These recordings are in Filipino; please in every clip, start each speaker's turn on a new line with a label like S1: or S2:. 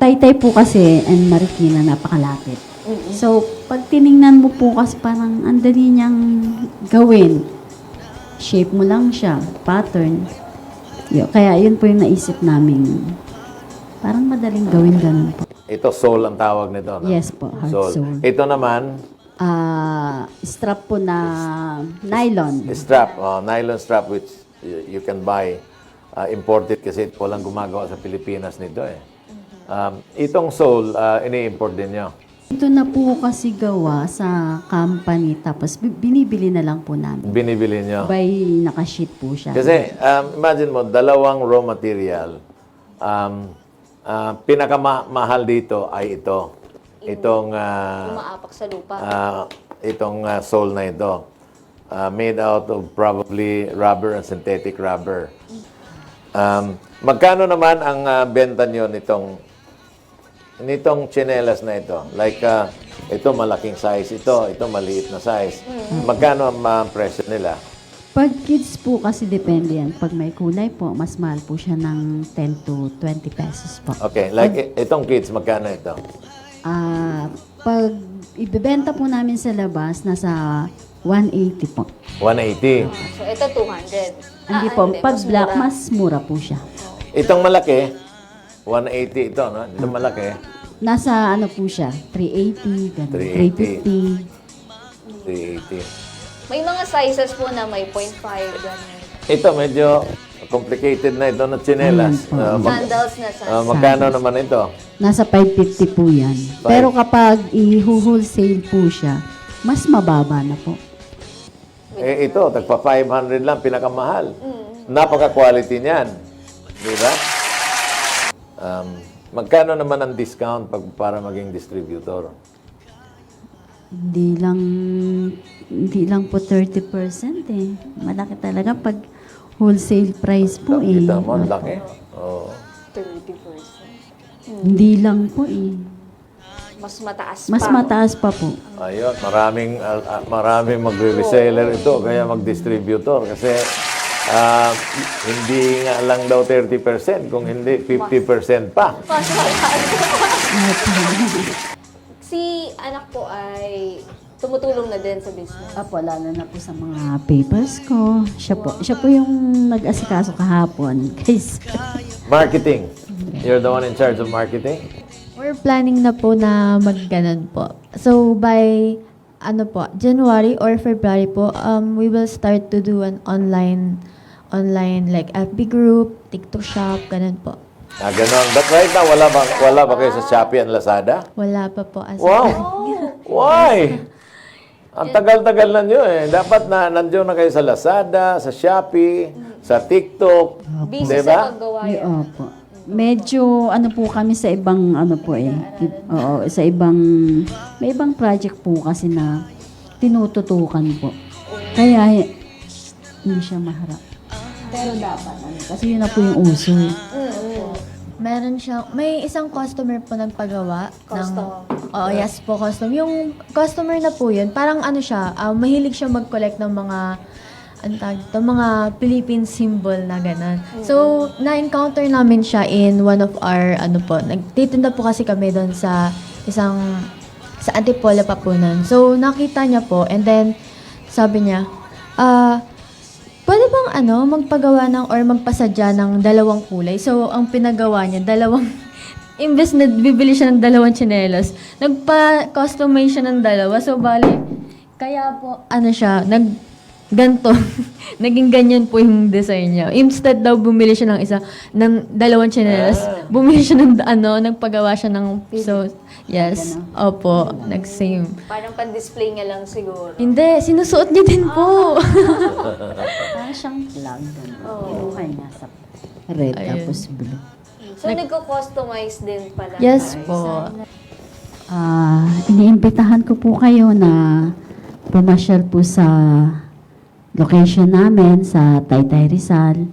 S1: Taytay po kasi and Marikina napakalapit. So, pag tiningnan mo po kasi parang ang dali niyang gawin. Shape mo lang siya, pattern. Kaya yun po yung naisip namin. Parang madaling gawin ganun po.
S2: Ito, sole ang tawag nito, no?
S1: Yes po, hard sole.
S2: Ito naman,
S1: Strap po na nylon.
S2: strap, nylon strap which you can buy imported kasi walang gumagawa sa Pilipinas nito eh. Itong sole, ini-import din nyo.
S1: Ito na po kasi gawa sa company tapos binibili na lang po namin.
S2: Binibili nyo.
S1: By nakasheet po siya.
S2: Kasi imagine mo, dalawang raw material. Pinakamahal dito ay ito. Itong
S3: Umaapak sa lupa.
S2: itong sole na ito. Made out of probably rubber and synthetic rubber. Magkano naman ang benta nyo nitong tsinelas na ito? Like, ito malaking size ito maliit na size. Magkano ang presyo nila?
S1: Pag kids po kasi depende yan. Pag may kulay po, mas mahal po siya ng 10 to 20 pesos po.
S2: Okay, like itong kids, magkano ito?
S1: Pag ibebenta po namin sa labas, nasa 180 po.
S2: 180.
S3: So, ito 200.
S1: Hindi po. Pag
S3: mas
S1: black,
S3: mura.
S1: mas mura po siya.
S2: Itong malaki, 180 ito, no? Itong malaki,
S1: Nasa ano po siya, 380, ganun,
S2: 380.
S1: 350.
S3: May mga sizes po na may 0.5, gano'n.
S2: Ito, medyo complicated na ito na tsinelas.
S3: Sandals na sandals.
S2: Magkano naman ito?
S1: Nasa 550 po yan. Pero kapag i-wholesale po siya, mas mababa na po.
S2: Ito, tagpa 500 lang, pinakamahal. Napaka-quality niyan. Di ba? Magkano naman ang discount para maging distributor?
S1: Hindi lang po 30% eh. Malaki talaga pag wholesale price po eh.
S2: Kita mo, ang laki. Oh.
S3: 30%.
S1: Hindi lang po eh.
S3: Mas mataas pa.
S1: Mas mataas pa po.
S2: Ayun, maraming magre-reseller ito, kaya mag-distributor. Kasi hindi nga lang daw 30%, kung hindi 50% pa.
S3: Mas mataas. Si anak po ay tumutulong na din sa business.
S1: Apo, lalo na po sa mga papers ko. Siya po yung nag-asikaso kahapon. Guys,
S2: Marketing. You're the one in charge of marketing?
S4: We're planning na po na mag-ganon po. So, by January or February po, we will start to do an online like FB group, TikTok shop, ganon po.
S2: Ganon. But right now, wala ba kayo sa Shopee and Lazada?
S4: Wala pa po.
S2: Wow! Why? Ang tagal-tagal na nyo eh. Dapat na nandiyo na kayo sa Lazada, sa Shopee, sa TikTok.
S3: Busy
S2: Diba?
S3: sa paggawa
S1: Ay,
S3: yan.
S1: opo. Medyo ano po kami sa ibang ano po eh. Oo, sa ibang may ibang project po kasi na tinututukan po. Kaya hindi siya maharap. Pero dapat kasi yun na po yung uso.
S4: Meron siya, may isang customer po nagpagawa.
S3: Custom.
S4: Yes po, custom. Yung customer na po yun, parang ano siya, mahilig siya mag-collect ng mga mga Philippine symbol na gano'n. So, na-encounter namin siya in one of our, nagtitinda po kasi kami doon sa Antipolo Papunan. So, nakita niya po, and then, sabi niya, pwede bang magpagawa or magpasadya ng dalawang kulay? So, ang pinagawa niya, imbes na bibili siya ng dalawang tsinelas, nagpa-customize siya ng dalawa. So, bali, kaya po, ganto. Naging ganyan po yung design niya. Instead daw bumili siya ng dalawang tsinelas, bumili siya ng nagpagawa siya ng yes. Opo, nag-same.
S3: Parang pan-display niya lang siguro.
S4: Hindi, sinusuot niya din po.
S1: Parang siyang flag. Kinuha niya sa red tapos blue.
S3: So, nagko-customize din pala.
S4: Yes po.
S1: Iniimbitahan ko po kayo na pumasyal po sa location namin sa Taytay Rizal.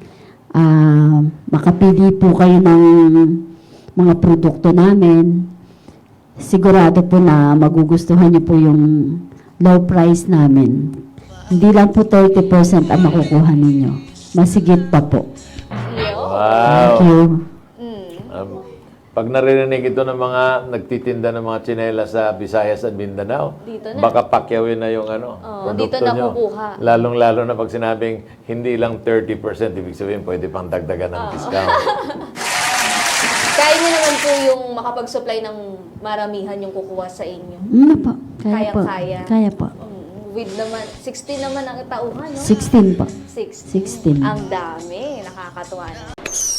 S1: Makapili po kayo ng mga produkto namin. Sigurado po na magugustuhan niyo po yung low price namin. Hindi lang po 30% ang makukuha ninyo. Masigit pa po.
S3: Iyo.
S2: Wow!
S1: Thank you.
S2: Um, Pag naririnig ito ng mga nagtitinda ng mga tsinela sa Visayas at Mindanao,
S3: Dito na.
S2: baka pakyawin na yung
S3: dito
S2: produkto
S3: na
S2: nyo.
S3: kukuha.
S2: Lalong-lalo na pag sinabing hindi lang 30%, ibig sabihin pwede pang dagdagan ng discount.
S3: Kaya niyo naman po yung makapag-supply ng maramihan yung kukuha sa inyo.
S1: Po. Kaya po.
S3: Kaya-kaya.
S1: Kaya po.
S3: With naman, 16 naman ang tauhan, no?
S1: 16 po.
S3: 16.
S1: 16.
S3: Ang dami. Nakakatuwa.